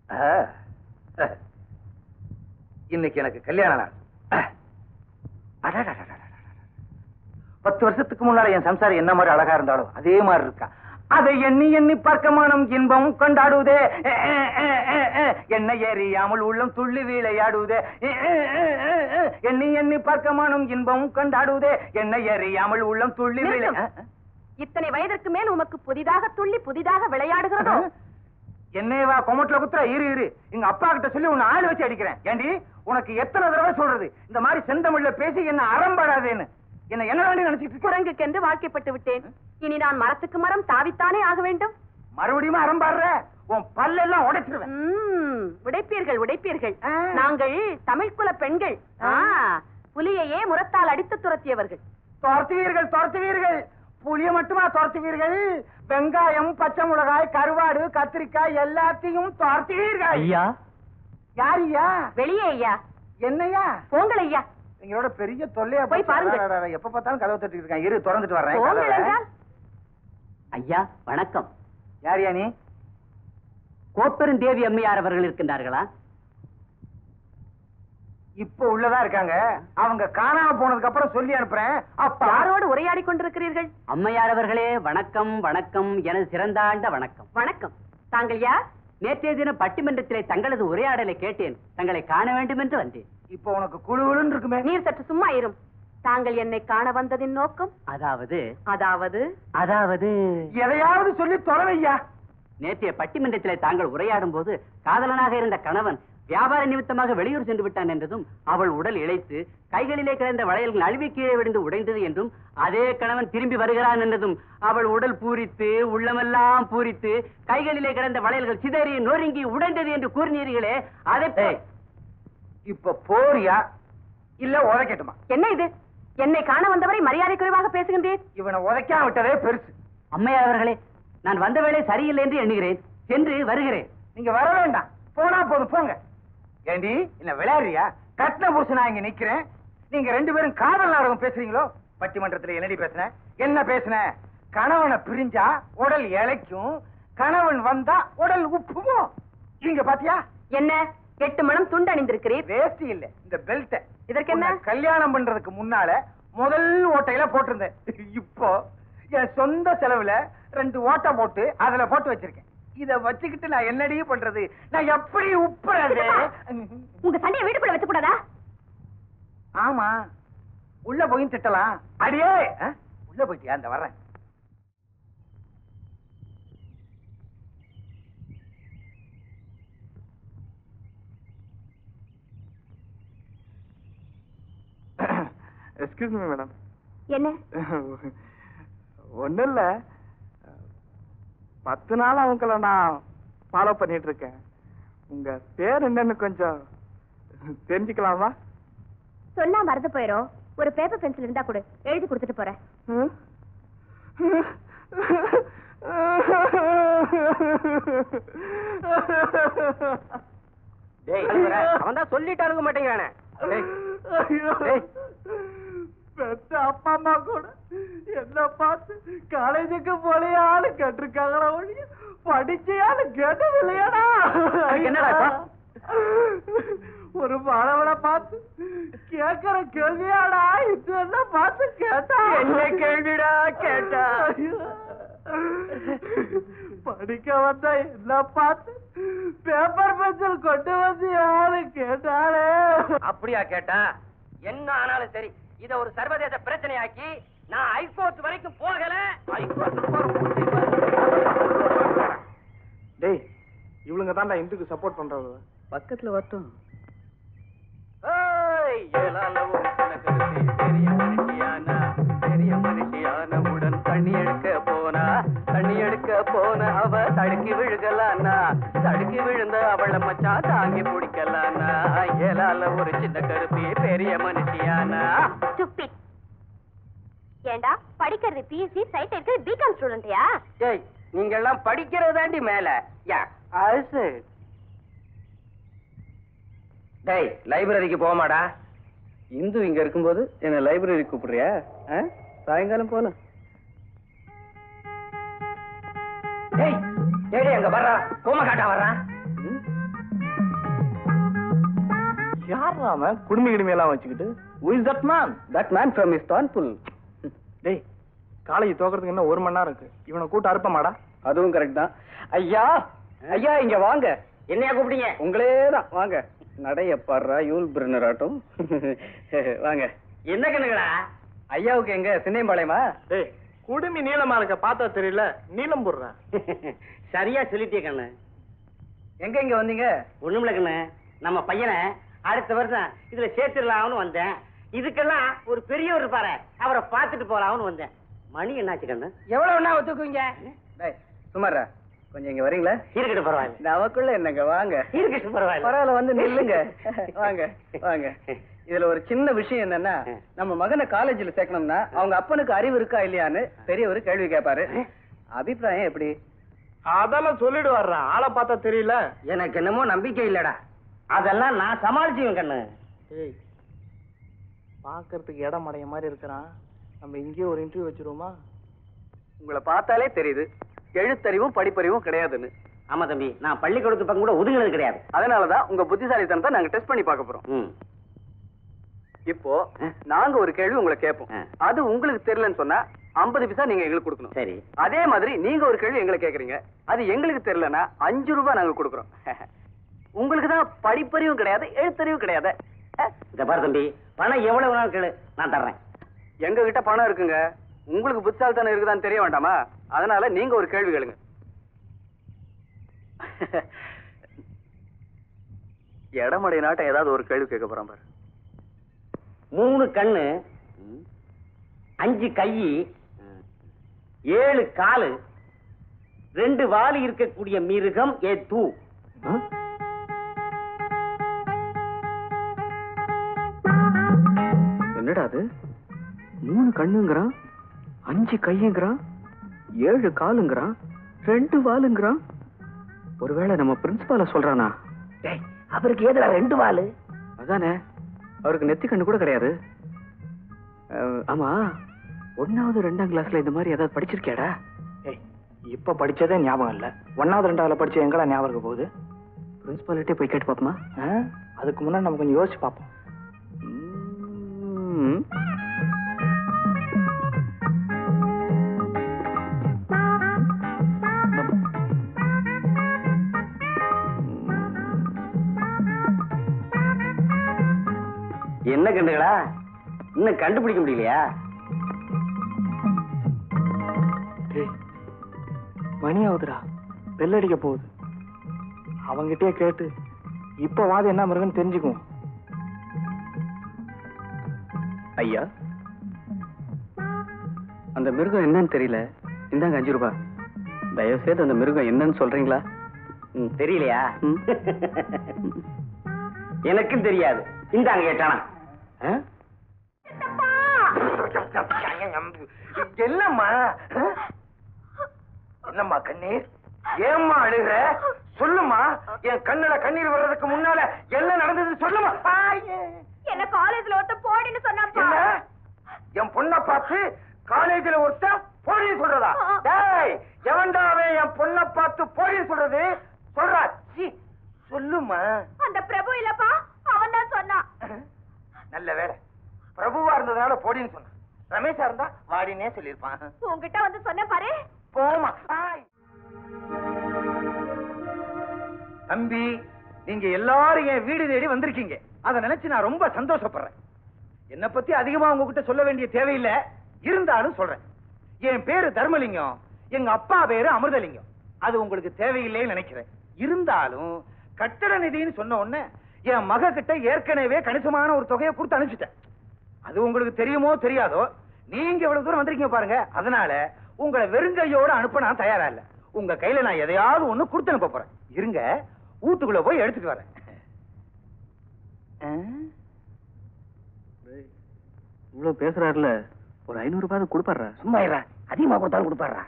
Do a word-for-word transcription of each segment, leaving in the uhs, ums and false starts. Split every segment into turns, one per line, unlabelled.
இன்னைக்கு எனக்கு கல்யாண நாள். பத்து வருஷத்துக்கு முன்னால என் சம்சாரம் என்ன மாதிரி அழகா இருந்தாலும் அதே மாதிரி இருக்கா. அதை எண்ணி எண்ணி பார்க்க மனம் இன்பம் கொண்டாடுவதே. என்ன ஏறியாமல் உள்ளம் துள்ளி விளையாடுவதே. எண்ணி எண்ணி பார்க்க மனம் இன்பம் கொண்டாடுவதே. என்ன ஏறியாமல் உள்ளம் துள்ளி விளை.
இத்தனை வயதிற்கு மேல் உமக்கு புதிதாக துள்ளி புதிதாக விளையாடுகிறதோ?
என்னைவா கொமட்டில குத்துற? இரு இரு, எங்க அப்பா கிட்ட சொல்லி உன்னை ஆள் வச்சு அடிக்கிறேன். ஏண்டி, உனக்கு எத்தனை தடவை சொல்றது இந்த மாதிரி செந்தமிழ்ல பேசி என்ன அறம்பாடாதேன்னு? என்ன என்ன வேண்டி நினைச்சிட்டு?
குரங்குக்கென்று வாழ்க்கைப்பட்டு விட்டேன். இனி நான் மரத்துக்கு மரம் தாவித்தானே ஆக வேண்டும்.
மறுபடியும் அறம்பாடுற? உன் பல்லெல்லாம் உடைச்சிருவேன்.
உடைப்பீர்கள் உடைப்பீர்கள். நாங்கள் தமிழ் குல பெண்கள். புலியையே முரத்தால் அடித்து துரத்தியவர்கள்.
துரத்துவீர்கள் துரத்துவீர்கள். புளிய மட்டுமா துரத்துவீர்கள்? வெங்காயம், பச்சை மிளகாய், கருவாடு, கத்திரிக்காய் எல்லாத்தையும் துரத்துவீர்கள்.
ஐயா.
யார் ஐயா?
வெளியே ஐயா.
என்னையா?
போங்கள் ஐயா.
எங்களோட பெரிய தொல்லையா
போய் பாருங்க.
எப்ப பார்த்தாலும் கதவை தட்டிட்டு இருக்கான். இரு, திறந்துட்டு வர்றேன்.
ஐயா வணக்கம்.
யார் யா நீ?
கோப்பெருந்தேவி அம்மையார் அவர்கள் இருக்கின்றார்களா?
இப்ப உள்ளதா இருக்காங்க. அவங்க காணாம போனதுக்கு அப்புறம் சொல்லி அனுப்புறேன்.
அப்ப யாரோடு உரையாடி கொண்டிருக்கிறீர்கள்?
அம்மையார் அவர்களே வணக்கம் வணக்கம். எனது சிறந்தாண்ட வணக்கம்.
வணக்கம். தாங்கள் யார்?
நேற்றைய தினம் பட்டிமன்றத்திலே தங்களது உரையாடலை கேட்டேன். தங்களை காண வேண்டும் என்று வந்தேன்.
இப்ப உனக்கு குழுவுன்னு இருக்குமே.
நீர் சற்று சும்மா இரும். தாங்கள் என்னை காண வந்ததின் நோக்கம்?
அதாவது
அதாவது
அதாவது
எதையாவது சொல்லி தொலைவையா.
நேற்றைய பட்டிமன்றத்திலே தாங்கள் உரையாடும் போது காதலனாக இருந்த கணவன் வியாபார நிமித்தமாக வெளியூர் சென்று விட்டான் என்றதும், அவள் உடல் இழைத்து கைகளிலே கிடந்த வளையல்கள் அழுவி கீழே விழுந்து உடைந்தது என்றும், அதே கணவன் திரும்பி வருகிறான் என்றதும் அவள் உடல் பூரித்து உள்ளமெல்லாம் பூரித்து கைகளிலே கிடந்த வளையல்கள் சிதறி நொறுங்கி உடைந்தது என்று கூறினீர்களே, அதை
இப்ப போறியா இல்ல உதைக்கட்டுமா?
என்ன இது? என்னை காண வந்தவரை மரியாதை குறைவாக பேசுகின்றேன்.
இவனை உதைக்காம விட்டதே பெருசு.
அம்மையார் அவர்களே, நான் வந்த வேலை சரியில்லை என்று எண்ணுகிறேன். சென்று வருகிறேன்.
நீங்க வர வேண்டாம், போனா போதும், போங்க. ஏண்டி, என்ன விளையாடுறியா? கட்டின புருஷனா இங்க நிக்கிறேன். நீங்க ரெண்டு பேரும் காதல் நாடகம் பேசுறீங்களோ? பட்டிமன்றத்துல என்னடி பேசுன? என்ன பேசுன? கணவனை பிரிஞ்சா உடல் இழைக்கும், கணவன் வந்தா உடல் உப்புமோ? இங்க பாத்தியா?
என்ன எட்டு மணம் துண்டு அணிந்திருக்கிறீர்?
வேஸ்டி இல்ல, இந்த பெல்ட்.
இதற்கு என்ன?
கல்யாணம் பண்றதுக்கு முன்னால முதல் ஓட்டையில போட்டிருந்தேன். இப்போ என் சொந்த செலவுல ரெண்டு ஓட்டை போட்டு அதுல போட்டு வச்சிருக்கேன். இத வச்சுக்கிட்டு நான் என்னடி பண்றது? நான் எப்படி உப்புறது?
உங்க சண்டையை வீட்டுக்குள்ள வச்சு கூடாதா?
ஆமா, உள்ள போய் திட்டலாம். அடியே, உள்ள போயிட்டியா? அந்த வர்றேன்.
Excuse me madam.
என்ன?
ஒன்னும் இல்ல, பத்து நாள் அவங்கள நான் ஃபாலோ பண்ணிட்டு இருக்கேன். உங்க பேர் என்னன்னு கொஞ்சம் தெரிஞ்சுக்கலாமா?
சொன்னா மறந்து போயிரும். ஒரு பேப்பர் பென்சில் இருந்தா கூட எழுதி கொடுத்துட்டு போறேன்.
அவன் தான் சொல்லிட்டு அணுக மாட்டேங்கிறானே.
பெத்த அப்பா அம்மா கூட என்ன பார்த்து காலேஜுக்கு போலையான்னு கேட்டிருக்காங்களா ஒழிய படிச்சையான்னு கேட்டதில்லையாடா.
என்னடா
ஒரு மாணவனை பார்த்து கேட்கிற கேள்வியாடா இது? என்ன பார்த்து கேட்டா?
என்ன கேள்விடா கேட்டா?
படிக்க வந்தா என்ன பார்த்து பேப்பர் பென்சில் கொண்டு வந்து யாரு கேட்டாலே?
அப்படியா கேட்டா? என்ன ஆனாலும் சரி, இத ஒரு சர்வதேச பிரச்சனையாக்கி நான் ஹைகோர்ட் வரைக்கும் போகல.
டேய், இவளுங்க தான்டா இந்துக்கு சப்போர்ட் பண்றவங்க.
பக்கத்துல வரட்டும். பெரிய மனுஷியான உடன் தண்ணி எடுக்க போனா, தண்ணி எடுக்க போன அவ தடுக்கி விழுகலானா, தடுக்கி விழுந்த அவளை மச்சான் தாங்கி பிடிக்கலானா, ஏலால ஒரு சின்ன கருப்பி பெரிய மனுஷியானா.
ஏண்டா படிக்கிறது பிஎஸ்சி, சைட் இருக்கிறது பிகாம் ஸ்டூடெண்ட்யா?
ஏய், நீங்க எல்லாம் படிக்கிறது தாண்டி மேல. யா அது டேய், லைப்ரரிக்கு போமாடா. இந்து இங்க இருக்கும்போது என்ன லைப்ரரி கூப்பிடுறியா? சாயங்காலம் போல. டேய் டேய், அங்க வர்றா, கோம காட்டா வர்றான்.
யார் அவன் குடுமி கிடுமி எல்லாம் வச்சுக்கிட்டு? Who is that man?
That man from Istanbul.
டேய், காலேஜ் தோக்கிறதுக்கு இன்னும் ஒரு மணி நேரம் இருக்கு. இவனை கூட்ட அறுப்பமாடா?
அதுவும் கரெக்ட் தான். ஐயா ஐயா இங்க வாங்க. என்னையா கூப்பிட்டீங்க? உங்களே தான் வாங்க. நடைய பாடுறா யூல் பிரினர் ஆட்டும். வாங்க. என்ன கண்ணுங்களா? ஐயாவுக்கு எங்க சின்னையம்பாளையமா?
டேய், குடுமி நீளமா இருக்க பார்த்தா தெரியல, நீளம் போடுறேன்.
சரியா சொல்லிட்டே கண்ணு. எங்க இங்க வந்தீங்க? ஒண்ணுமில்ல கண்ணு, நம்ம பையனை அடுத்த வருஷம் இதுல சேர்த்துடலாம்னு வந்தேன். இதுக்கெல்லாம் ஒரு பெரியவர் இருப்பாரு, அவரை பார்த்துட்டு போலாம்னு வந்தேன். மணி என்னாச்சு கண்ணு? எவ்வளவு ஒத்துக்குவீங்க? சுமாரா கொஞ்சம் இங்க வரீங்களா? இருக்கட்டும் பரவாயில்ல. நமக்குள்ள என்னங்க வாங்க. இருக்கட்டும் பரவாயில்ல. பரவாயில்ல வந்து நில்லுங்க. வாங்க வாங்க. இதுல ஒரு சின்ன விஷயம் என்னன்னா, நம்ம மகனை காலேஜ்ல சேர்க்கணும்னா அவங்க அப்பனுக்கு அறிவு இருக்கா இல்லையான்னு பெரியவர் கேள்வி கேட்பாரு. அபிப்பிராயம் எப்படி?
அதெல்லாம் சொல்லிட்டு வர்றேன். ஆளை பார்த்தா தெரியல.
எனக்கு என்னமோ நம்பிக்கை இல்லடா. அதெல்லாம் நான் சமாளிச்சுவேன் கண்ணு.
ஏய், பாக்குறதுக்கு இடம் அடைய மாதிரி இருக்கிறான். நம்ம இங்கேயே ஒரு இன்டர்வியூ வச்சிருவோமா?
உங்களை பார்த்தாலே தெரியுது எழுத்தறிவும் படிப்பறிவும் கிடையாதுன்னு. ஆமா தம்பி, நான் பள்ளிக்கூடத்து பக்கம் கூட ஒதுங்கினது கிடையாது. அதனாலதான் உங்க புத்திசாலித்தனத்தை நாங்க டெஸ்ட் பண்ணி பார்க்க போறோம். இப்போ நாங்க ஒரு கேள்வி உங்களை கேட்போம். அது உங்களுக்கு தெரியலன்னு சொன்னா ஐம்பது பைசா நீங்க எங்களுக்கு கொடுக்கணும். சரி. அதே மாதிரி நீங்க ஒரு கேள்வி எங்களை கேக்குறீங்க, அது எங்களுக்கு தெரியலன்னா அஞ்சு ரூபாய் நாங்க கொடுக்குறோம். உங்களுக்கு தான் படிப்பறிவும் கிடையாது எழுத்தறிவும் கிடையாது. இந்த பாரு தம்பி, பணம் எவ்வளவு நாள் கேளு, நான் தர்றேன். எங்க கிட்ட பணம் இருக்குங்க, உங்களுக்கு புத்தால்தானே இருக்குதான்னு தெரிய வேண்டாமா? அதனால நீங்க ஒரு கேள்வி கேளுங்க. எடமடை நாட்டை ஏதாவது ஒரு கேள்வி கேட்க போறான் பாரு. மூணு கண்ணு, அஞ்சு கை, ஏழு காலு, ரெண்டு வாலி இருக்கக்கூடிய மிருகம் ஏ தூ. என்னடா அது? மூணு கண்ணுங்கிறான், அஞ்சு கையுங்கிறான், ஏழு காலுங்கிறான், ரெண்டு வாலுங்கிறான். ஒருவேளை நம்ம பிரின்சிபால சொல்றானா? அவருக்கு ஏதுடா ரெண்டு வாலு? அதானே, அவருக்கு நெத்தி கண்ணு கூட கிடையாது. ஆமா, ஒன்னாவது ரெண்டாம் கிளாஸ்ல இந்த மாதிரி ஏதாவது படிச்சிருக்கியாடா?
ஏய், இப்ப படிச்சதே ஞாபகம் இல்ல. ஒன்னாவது ரெண்டாவதுல படிச்ச எங்கடா ஞாபகம் இருக்க போகுது?
பிரின்சிபாலிட்டே போய் கேட்டு பாப்போமா?
அதுக்கு முன்னாடி நம்ம கொஞ்சம் யோசிச்சு பார்ப்போம்.
என்ன கண்டுகளா, இன்னும் கண்டுபிடிக்க முடியலையா?
மணி ஆகுதுடா, பெல் அடிக்க போகுது. அவங்கிட்டே கேட்டு இப்ப வாது என்ன மிருகன்னு தெரிஞ்சுக்குவோம்.
ஐயா, அந்த மிருகம் என்னன்னு தெரியல, இந்தாங்க அஞ்சு ரூபாய். தயவு செய்து அந்த மிருகம் என்னன்னு சொல்றீங்களா? தெரியலையா? எனக்கும் தெரியாது. இந்தாங்க கேட்டானா?
என்னம்மா என்னம்மா கண்ணீர்? ஏம்மா அழுகிற? சொல்லுமா. என் கண்ணுல கண்ணீர் வர்றதுக்கு முன்னால எல்லாம் நடந்தது சொல்லுமா.
என்ன காலேஜ்ல ஒருத்த போடின்னு சொன்னாப்பா.
என் பொண்ணை பார்த்து காலேஜ்ல ஒருத்த போடின்னு சொல்றதா? டேய், எவன்டாவே என் பொண்ணை பார்த்து போடின்னு சொல்றது? சொல்றா, சொல்லுமா.
அந்த பிரபு இல்லப்பா, அவன் தான் சொன்னான்.
நல்ல வேலை, பிரபுவா இருந்ததுனால போடின்னு சொன்னான். ரமேஷா இருந்தா வாடினே சொல்லிருப்பான்.
உங்ககிட்ட வந்து சொன்ன பாரு.
போமா. தம்பி, நீங்க எல்லாரும் என் வீடு தேடி வந்திருக்கீங்க. அதை நினைச்சு நான் ரொம்ப சந்தோஷப்படுறேன். என்னை பத்தி அதிகமா உங்ககிட்ட சொல்ல வேண்டிய தேவையில்லை, இருந்தாலும் சொல்றேன். என் பேரு தர்மலிங்கம், எங்க அப்பா பேரு அமிர்தலிங்கம். அது உங்களுக்கு தேவையில்லைன்னு நினைக்கிறேன். இருந்தாலும் கட்டட நிதின்னு சொன்ன உடனே என் மக கிட்ட ஏற்கனவே கணிசமான ஒரு தொகையை கொடுத்து அனுப்பிச்சிட்டேன். அது உங்களுக்கு தெரியுமோ தெரியாதோ, நீங்க இவ்வளவு தூரம் வந்திருக்கீங்க பாருங்க. அதனால உங்களை வெறுங்கையோட அனுப்ப நான் தயாரா இல்ல. உங்க கையில நான் எதையாவது ஒண்ணு கொடுத்து அனுப்ப போறேன். இருங்க, வீட்டுக்குள்ள போய் எடுத்துட்டு வரேன்.
இவ்வளவு பேசுறாருல, ஒரு ஐநூறு ரூபாய் கொடுப்பாரு.
சும்மா இருடா, அதிகமா கொடுத்தாலும் கொடுப்பாரு.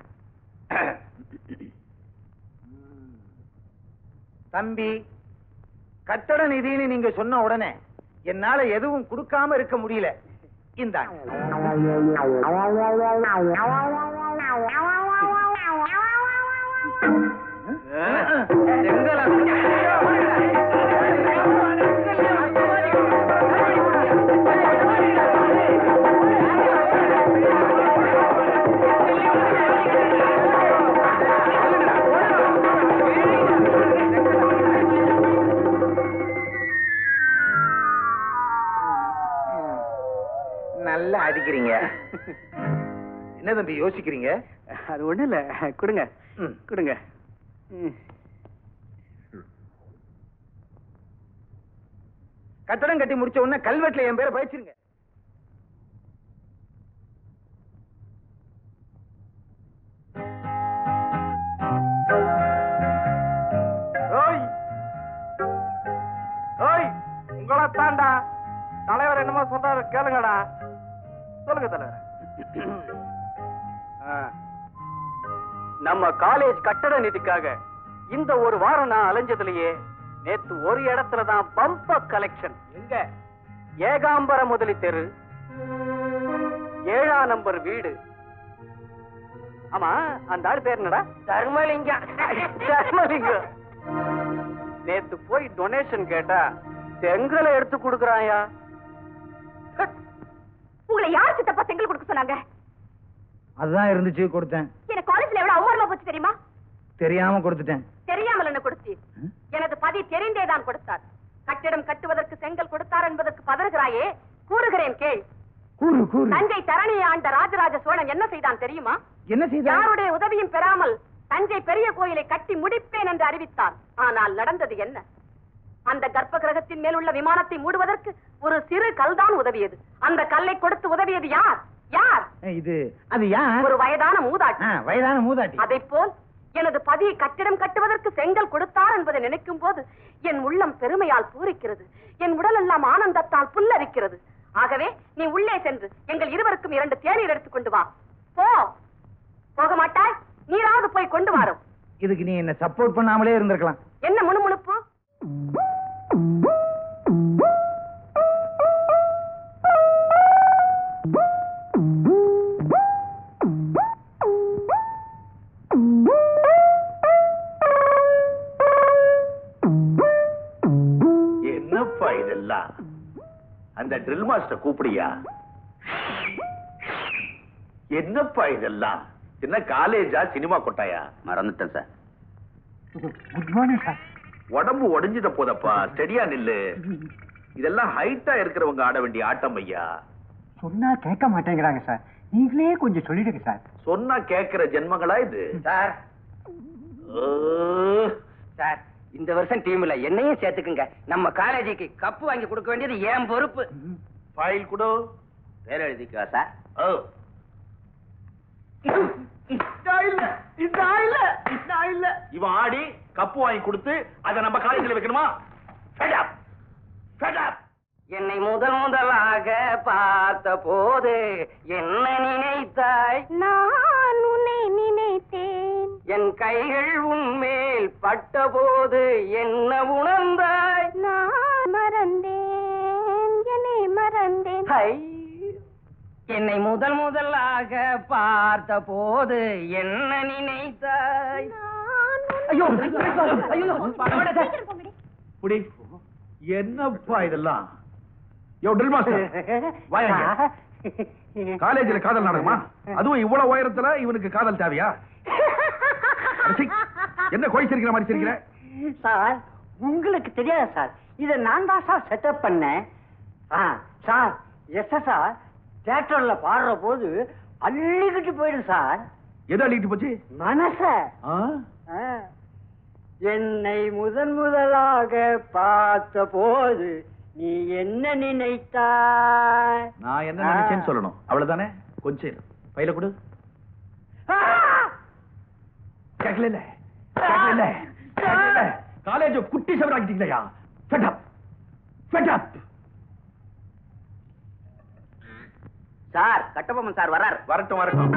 தம்பி, கட்டட நிதின்னு நீங்க சொன்ன உடனே என்னால எதுவும் கொடுக்காம இருக்க முடியல. இந்தாங்க. மாத்திக்கிறீங்க. என்ன தம்பி யோசிக்கிறீங்க?
அது ஒண்ணு இல்ல, கொடுங்க கொடுங்க.
கட்டடம் கட்டி முடிச்ச உடனே கல்வெட்டுல என் பேரை பயிற்சிருங்க.
உங்களா தாண்டா தலைவர் என்னமோ சொல்றாரு கேளுங்கடா. சொல்லுங்க தலைவர்.
நம்ம காலேஜ் கட்டட நிதிக்காக இந்த ஒரு வாரம் நான் அலைஞ்சதுலயே நேத்து ஒரு இடத்துல தான் பம்ப கலெக்ஷன். எங்க? ஏகாம்பர முதலி தெரு, ஏழாம் நம்பர் வீடு. ஆமா, அந்த ஆள் பேர் என்னடா? தர்மலிங்கம். தர்மலிங்கம் நேத்து போய் டொனேஷன் கேட்டா செங்கலை எடுத்து கொடுக்கறாயா.
உங்களை யார் சித்தப்பா செங்கல் கொடுக்க சொன்னாங்க?
அதுதான் இருந்துச்சு, கொடுத்தேன்.
எனக்கு காலேஜ்ல எவ்வளவு அவமானமா போச்சு தெரியுமா?
தெரியாம கொடுத்துட்டேன்.
தெரியாமல் என்ன கொடுத்தி? எனது பதி தெரிந்தேதான் கொடுத்தார். கட்டிடம் கட்டுவதற்கு செங்கல் கொடுத்தார் என்பதற்கு பதறுகிறாயே, கூறுகிறேன் கேள்.
கூறு கூறு.
தஞ்சை தரணியை ஆண்ட ராஜராஜ சோழன் என்ன செய்தான் தெரியுமா?
என்ன செய்தான்?
யாருடைய உதவியும் பெறாமல் தஞ்சை பெரிய கோயிலை கட்டி முடிப்பேன் என்று அறிவித்தார். ஆனால் நடந்தது என்ன? அந்த கர்ப்ப கிரகத்தின் மேல் உள்ள விமானத்தை மூடுவதற்கு ஒரு சிறு கல்தான் உதவியது. அந்த கல்லை கொடுத்து உதவியது யார்? யார்
இது? அது யார்?
ஒரு வயதான மூதாட்டி.
வயதான மூதாட்டி.
அதைப் போல் எனது பதி கட்டிடம் கட்டுவதற்கு செங்கல் கொடுத்தார் என்பதை நினைக்கும் போது என் உள்ளம் பெருமையால் பூரிக்கிறது. என் உடல் எல்லாம் ஆனந்தத்தால் புல்லரிக்கிறது. ஆகவே நீ உள்ளே சென்று எங்கள் இருவருக்கும் இரண்டு தேநீர் எடுத்துக் கொண்டு வா. போ. போக மாட்டாய்? நீராவது போய் கொண்டு வாரும்.
இதுக்கு நீ என்ன சப்போர்ட் பண்ணாமலே இருந்திருக்கலாம்.
என்ன முணுமுணுப்பு?
என்னப்பா இதெல்லாம்? அந்த ட்ரில் மாஸ்டர் கூப்பிடியா? என்னப்பா இதெல்லாம்? என்ன காலேஜா சினிமா கொட்டாயா?
மறந்துட்டேன் சார்.
Good morning sir.
உடம்பு உடைஞ்சிட போதப்பா, ஸ்டெடியா நில்லு. இதெல்லாம் ஹைட்டா இருக்கிறவங்க ஆட வேண்டிய ஆட்டம் ஐயா.
சொன்னா கேட்க மாட்டேங்கிறாங்க சார். நீங்களே கொஞ்சம் சொல்லிடுங்க சார்.
சொன்னா கேட்கிற ஜென்மங்களா இது?
சார் சார், இந்த வருஷம் டீம்ல என்னையும் சேர்த்துக்குங்க. நம்ம காலேஜுக்கு கப்பு வாங்கி கொடுக்க வேண்டியது ஏன் பொறுப்பு.
ஃபைல் கொடு.
பேர் எழுதிக்கோ சார்.
ஓ, இவன் ஆடி கப்பு வாங்கி கொடுத்து அதை நம்ம காலேஜில் வைக்கணுமா? Fed up. Fed up.
என்னை முதல் முதலாக பார்த்த போது என்ன நினைத்தாய்?
நான் உன்னை நினைத்தேன்.
என் கைகள் உன்மேல் பட்ட போது என்ன உணர்ந்தாய்?
நான் மறந்தேன், என்னை மறந்தேன்.
ஹை, என்னை முதல் முதலாக பார்த்த போது என்ன நினைத்தாய்? ஐயோ ஐயோ,
புடி. என்னப்பா இதெல்லாம்? யோ ட்ரில் மாஸ்டர், வாங்க. காலேஜில் காதல் நடக்குமா? அதுவும் இவ்வளவு உயரத்துல இவனுக்கு காதல் தேவையா? அடச்சி, என்ன கோய் சிரிக்கிற மாதிரி சிரிக்கிற?
சார், உங்களுக்கு தெரியாது சார், இதை நான் தான் சார் செட்டப் பண்ணேன். சார், எஸ் சார், தியேட்டர்ல பாடுற போது அள்ளிக்கிட்டு போயிடும் சார்.
எது அள்ளிக்கிட்டு போச்சு?
மனச. என்னை முதன் முதலாக பார்த்த போது நீ என்ன நினைத்தாய்?
நான் என்ன நினைச்சேன்னு சொல்லணும், அவ்வளவுதானே? கொஞ்சம் பையில கொடு. கேட்கல கேட்கல கேட்கல. காலேஜ் குட்டி சவராக்கிட்டீங்களா? Fed up. Fed up.
Sir, Kattabomman sir வரார்.
வரட்டும் வரட்டும்.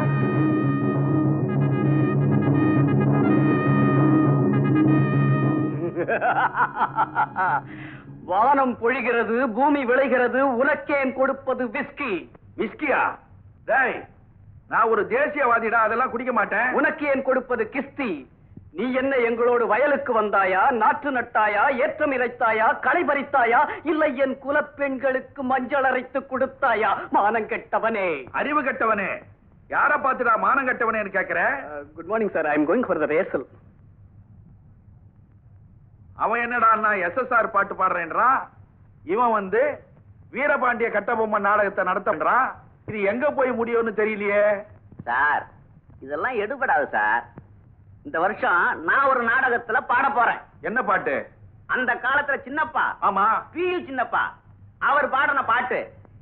வானம் பொழிகிறது, பூமி விளைகிறது, உனக்கேன் கொடுப்பது விஸ்கி.
விஸ்கியா? டேய், நான் ஒரு தேசியவாதிடா, அதெல்லாம் குடிக்க மாட்டேன்.
உனக்கு ஏன் கொடுப்பது கிஸ்தி. நீ என்ன எங்களோடு வயலுக்கு வந்தாயா, நாற்று நட்டாயா, ஏற்றம் இறைத்தாயா, களை பறித்தாயா, இல்லை என் குலப்பெண்களுக்கு மஞ்சள் அரைத்து கொடுத்தாயா? மானம் கெட்டவனே,
அறிவு கெட்டவனே, யார பாத்துடா மானம் கெட்டவனே கேக்குற?
Good morning sir, I am going for the rehearsal.
அவன் என்னடா எஸ்எஸ்ஆர் பாட்டு பாடுறேன்றான். இவன் வந்து வீரபாண்டிய கட்டபொம்மன் நாடகத்தை நடத்தன்றான். இது எங்க போய் முடியும்னு தெரியலையே.
சார் இதெல்லாம் எடுபடாது சார். இந்த வருஷம் நான் ஒரு நாடகத்துல பாட போறேன்.
என்ன பாட்டு?
அந்த காலத்துல சின்னப்பா,
ஆமா,
பீல் சின்னப்பா அவர் பாடின பாட்டு.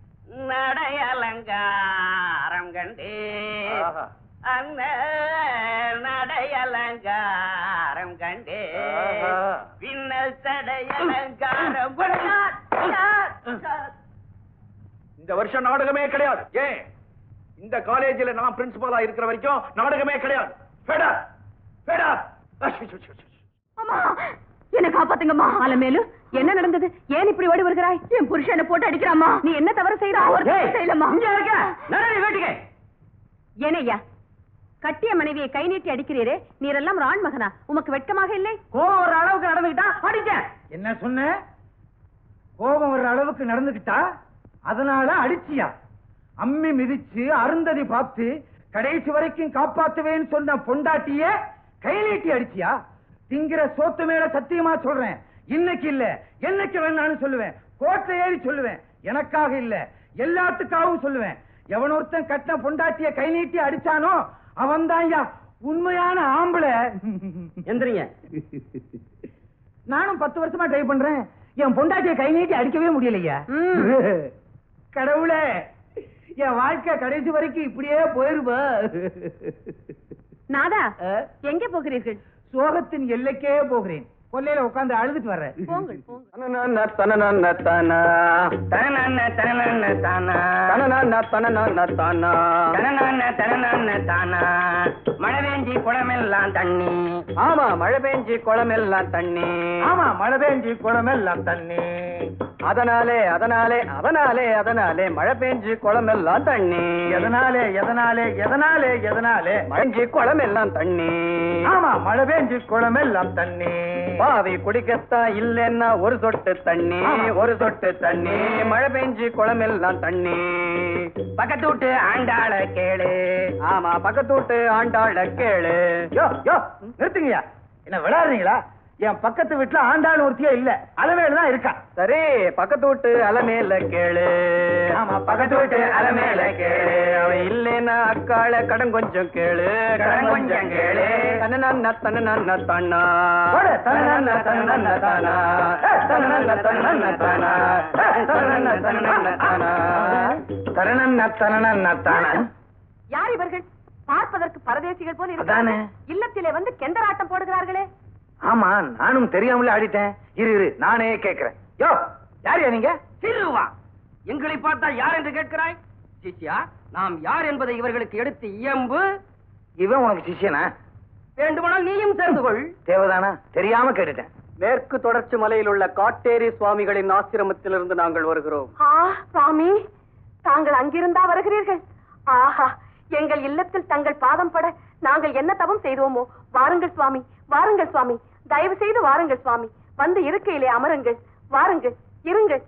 நடையலங்காரம் கண்டே அந்த நடையலங்காரம் கண்டே பின்னல் தடையலங்காரம்.
இந்த வருஷம் நாடகமே கிடையாது. ஏன்? இந்த காலேஜில் நான் பிரின்சிபலா இருக்கிற வரைக்கும் நாடகமே கிடையாது.
என்ன காப்பாத்துங்கம்மா. அலமேலு, என்ன நடந்தது? ஏன் இப்படி ஓடி வருகிறாய்? என் புருஷனை போட்டு அடிக்கிறாமா? நீ என்ன தவறு செய்யறா? செய்யலமா. ஏனையா கட்டிய மனைவியை கை நீட்டி அடிக்கிறீரே, நீரெல்லாம் ராண் மகனா? உமக்கு வெட்கமாக இல்லை?
கோபம் வர்ற அளவுக்கு நடந்துகிட்டா அடிச்சேன். என்ன சொன்ன? கோபம் வர்ற அளவுக்கு நடந்துகிட்டா அதனால அடிச்சியா? அம்மி மிதிச்சு அருந்ததி பார்த்து கடைசி வரைக்கும் காப்பாத்துவேன்னு சொன்ன பொண்டாட்டிய கை நீட்டி அடிச்சியா? திங்கிற சோத்து மேல சத்தியமா சொல்றேன், இன்னைக்கு இல்ல என்னைக்கு வேணாலும் சொல்லுவேன். கோட்டை ஏறி சொல்லுவேன். எனக்காக இல்ல எல்லாத்துக்காகவும் சொல்லுவேன். எவன் ஒருத்தன் கட்டின பொண்டாட்டிய கை நீட்டி அடிச்சானோ அவன் தான் உண்மையான ஆம்பளை.
எந்திரிங்க.
நானும் பத்து வருஷமா ட்ரை பண்றேன், என் பொண்டாட்டிய கை நீட்டி அடிக்கவே முடியலையா. கடவுளே, என் வாழ்க்கை கடைசி வரைக்கும் இப்படியே போயிருவா.
நாதா, எங்கே போகிறீர்கள்?
சோகத்தின் எல்லைக்கே போகிறேன். கொல்லையில உட்கார்ந்து அழுதுட்டு வர்றேன்.
போங்கள் போங்கள்.
மழை பெஞ்சி குளமெல்லாம் தண்ணி.
ஆமா, மழை பெஞ்சி குளமெல்லாம் தண்ணி.
ஆமா, மழை பெஞ்சி குளமெல்லாம் தண்ணி.
அதனாலே அதனாலே அதனாலே அதனாலே மழை பெஞ்சி குளமெல்லாம் தண்ணி.
எதனாலே எதனாலே எதனாலே எதனாலே
மழைஞ்சி குளமெல்லாம் தண்ணி.
ஆமா, மழை பெஞ்சி குளமெல்லாம் தண்ணி.
பாவி குடிக்கத்தான் இல்லைன்னா ஒரு சொட்டு தண்ணி, ஒரு சொட்டு தண்ணி. மழை பெஞ்சி குளமெல்லாம் தண்ணி.
பக்கத்து விட்டு ஆண்டாள கேளு.
ஆமா, பக்கத்து விட்டு ஆண்டாள கேளு.
யோ யோ நிறுத்துங்கயா, என்ன விளையாடுறீங்களா? என் பக்கத்து வீட்டுல ஆண்டாள் ஒருத்தியா இல்ல, அலமேல இருக்கா.
சரி, பக்கத்து விட்டு அலமேல கேளு.
ஆமா,
பக்கத்து விட்டு அலமேல கேளு. அவன் இல்லைன்னா அக்காள கடன் கொஞ்சம் கேளு, கடன் கொஞ்சம் கேளு. தன்னன்ன தன்னன்ன தானா, தன்னன்ன தன்னன்ன தானா, தன்னன்ன தன்னன்ன தானா, தன்னன்ன தன்னன்ன தானா,
தரணன்ன தரணன்ன தானா.
யார் இவர்கள்? பார்ப்பதற்கு பரதேசிகள் போல
அதானே.
இருக்கிறார்கள். இல்லத்திலே வந்து கெந்தராட்டம் போடுகிறார்களே.
ஆமா, நானும் தெரியாமலே ஆடிட்டேன். இரு இரு நானே கேட்கிறேன். யோ, யாரையா நீங்க?
சிறுவா, எங்களை பார்த்தா யார் என்று கேட்கிறாய்? சிஷ்யா, நாம் யார் என்பதை இவர்களுக்கு எடுத்து இயம்பு.
இவன் உனக்கு சிஷ்யனா?
வேண்டுமானால் நீயும் சேர்ந்து கொள்.
தேவதானா? தெரியாம கேட்டுட்டேன்.
மேற்கு தொடர்ச்சி மலையில் உள்ள காட்டேரி சுவாமிகளின் ஆசிரமத்திலிருந்து நாங்கள் வருகிறோம்.
ஆ, சுவாமி, தாங்கள் அங்கிருந்தா வருகிறீர்கள்? ஆஹா, எங்கள் இல்லத்தில் தங்கள் பாதம் பட நாங்கள் என்ன தவம் செய்தோமோ. வாருங்கள் சுவாமி, வாருங்கள் சுவாமி, தயவு செய்து வாருங்கள் சுவாமி. வந்து இருக்கையிலே அமருங்கள். வாருங்கள், இருங்கள்.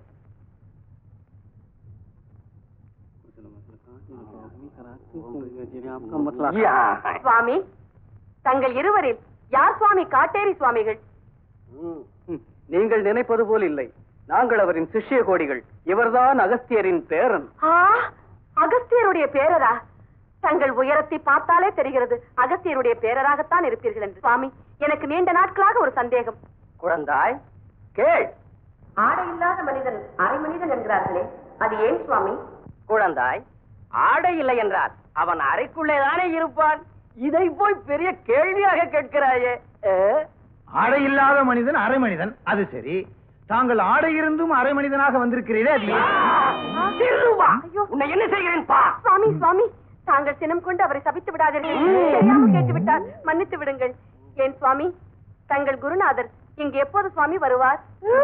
சுவாமி, தங்கள் இருவரில் யார் சுவாமி காட்டேரி சுவாமிகள்?
நீங்கள் நினைப்பது போல் இல்லை, நாங்கள் அவரின் சிஷ்ய கோடிகள். இவர்தான் அகஸ்தியரின் பேரன்.
ஆ, அகஸ்தியருடைய பேரரா? தங்கள் உயரத்தை பார்த்தாலே தெரிகிறது அகஸ்தியருடைய பேரராகத்தான் இருப்பீர்கள் என்று. சுவாமி, எனக்கு நீண்ட நாட்களாக ஒரு சந்தேகம்.
குழந்தாய், கேள்.
ஆடை இல்லாத மனிதன் அரை மனிதன் என்கிறார்களே, அது ஏன் சுவாமி?
குழந்தாய், ஆடை இல்லை என்றால் அவன் அறைக்குள்ளேதானே இருப்பான். இதை போய் பெரிய கேள்வியாக கேட்கிறாயே.
ஆடை இல்லாத மனிதன் அரை மனிதன், அது சரி. தாங்கள் ஆடை இருந்தும் அரை மனிதனாக வந்திருக்கிறீரே, அது
உன்னை என்ன செய்கிறேன் பா.
சுவாமி, சுவாமி, தாங்கள் சினம் கொண்டு அவரை சபித்து விடாதீர்கள். தெரியாமல் கேட்டு விட்டார், மன்னித்து விடுங்கள். ஏன் சுவாமி, தங்கள் குருநாதர் இங்கு எப்போது சுவாமி வருவார்?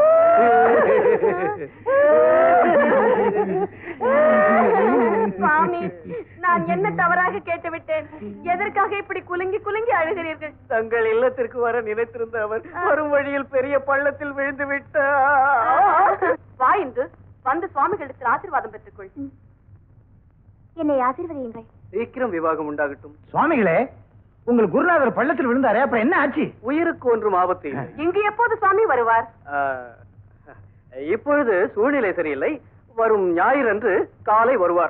சுவாமி, நான் என்ன தவறாக கேட்டு விட்டேன்? எதற்காக இப்படி குலுங்கி குலுங்கி அழுகிறீர்கள்?
தங்கள் இல்லத்திற்கு வர நினைத்திருந்த அவர் வரும் வழியில் பெரிய பள்ளத்தில் விழுந்து விட்டார்.
வா இன்று வந்து சுவாமிகளிடத்தில் ஆசீர்வாதம் பெற்றுக்கொள்.
என்னை ஆசீர்வதியுங்கள்.
சீக்கிரம் விவாகம் உண்டாகட்டும்.
சுவாமிகளே, உங்கள் குருநாதர் பள்ளத்தில் விழுந்தாரே, அப்புறம் என்ன ஆச்சு?
உயிருக்கு ஒன்றும் ஆபத்து இல்லை.
இங்கு எப்போது சுவாமி வருவார்?
இப்பொழுது சூழ்நிலை சரியில்லை. வரும் ஞாயிறன்று காலை வருவார்.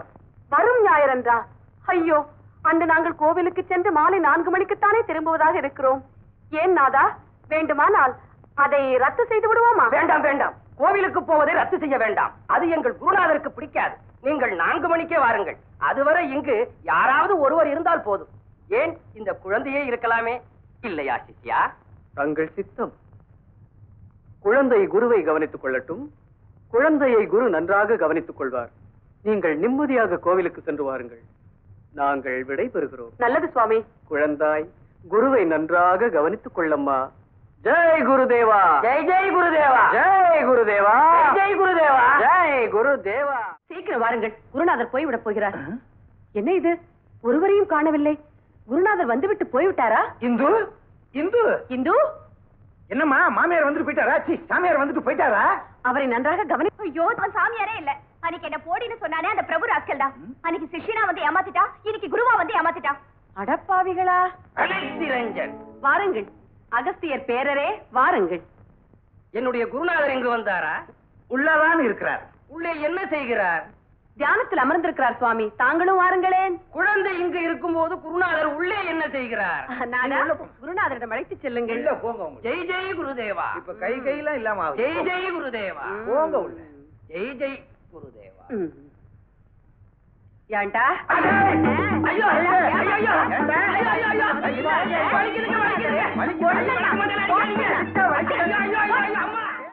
வரும் ஞாயிறன்றா? ஐயோ, அன்று நாங்கள் கோவிலுக்கு சென்று மாலை நான்கு மணிக்குத்தானே திரும்புவதாக இருக்கிறோம். ஏன் நாதா, வேண்டுமானால் அதை ரத்து செய்து விடுவோமா?
வேண்டாம் வேண்டாம், கோவிலுக்கு போவதை ரத்து செய்ய வேண்டாம். அது எங்கள் குருநாதருக்கு பிடிக்காது. நீங்கள் நான்கு மணிக்கே வாருங்கள். அதுவரை இங்கு யாராவது ஒருவர் இருந்தால் போதும். ஏன், இந்த குழந்தையே இருக்கலாமே. இல்லையா சிஷ்யா?
தங்கள் சித்தம். குழந்தை குருவை கவனித்துக் கொள்ளட்டும். குழந்தையை குரு நன்றாக கவனித்துக் கொள்வார். நீங்கள் நிம்மதியாக கோவிலுக்கு சென்று வாருங்கள். நாங்கள் விடை பெறுகிறோம்.
நல்லது சுவாமி.
குழந்தாய், குருவை நன்றாக கவனித்துக் கொள்ளம்மா. ஜெய் குருதேவா.
ஜெய் ஜெய் குருதேவா.
ஜெய் குருதேவா.
ஜெய் குருதேவா.
ஜெய் குருதேவா.
சீக்கிரம் வாருங்கள், குருநாதர் போய்விடப் போகிறார். என்ன இது, ஒருவரையும் காணவில்லை. குருநாதர் வந்துவிட்டு போய்விட்டாரா?
இந்து இந்து
இந்து,
என்னம்மா, மாமியார் வந்துட்டு போயிட்டாரா? சி, சாமியார் வந்துட்டு போயிட்டாரா?
அவரை நன்றாக கவனி.
ஐயோ, அவன் சாமியாரே இல்ல. அன்னைக்கு என்ன போடின்னு சொன்னானே அந்த பிரபு ராஸ்கல் தான். அன்னைக்கு சிஷ்யனா வந்து ஏமாத்திட்டா, இன்னைக்கு குருவா வந்து ஏமாத்திட்டா.
அடப்பாவிகளா!
அலெக்சிரஞ்சன்,
வாருங்கள் அகஸ்தியர் பேரரே, வாருங்கள்.
என்னுடைய குருநாதர் இங்கு வந்தாரா?
உள்ளதான் இருக்கிறார்.
உள்ளே என்ன செய்கிறார்?
தியானத்தில் அமர்ந்திருக்கிறார் சுவாமி. தாங்களும் வாருங்களேன்.
குழந்தை இங்கு இருக்கும் போது குருநாதர் உள்ளே என்ன செய்கிறார்?
நானா? குருநாதரிடம் அழைத்து செல்லுங்கள்.
இல்ல, போங்க உள்ள.
ஜெய் ஜெய் குருதேவா.
இப்ப கை கையெல்லாம் இல்லாம ஆகுது.
ஜெய் ஜெய் குருதேவா.
போங்க உள்ள.
ஜெய் ஜெய் குருதேவா.
ம். ஏன்டா?
ஐயோ, ஐயோ, ஐயோ, ஐயோ, ஐயோ,
ஏண்டா?
ஐயோ, ஐயோ, ஐயோ, வலிக்குதுங்க, வலிக்குதுங்க.
வலிக்குது.
வலிக்கு முதல்ல அடிக்காதீங்க.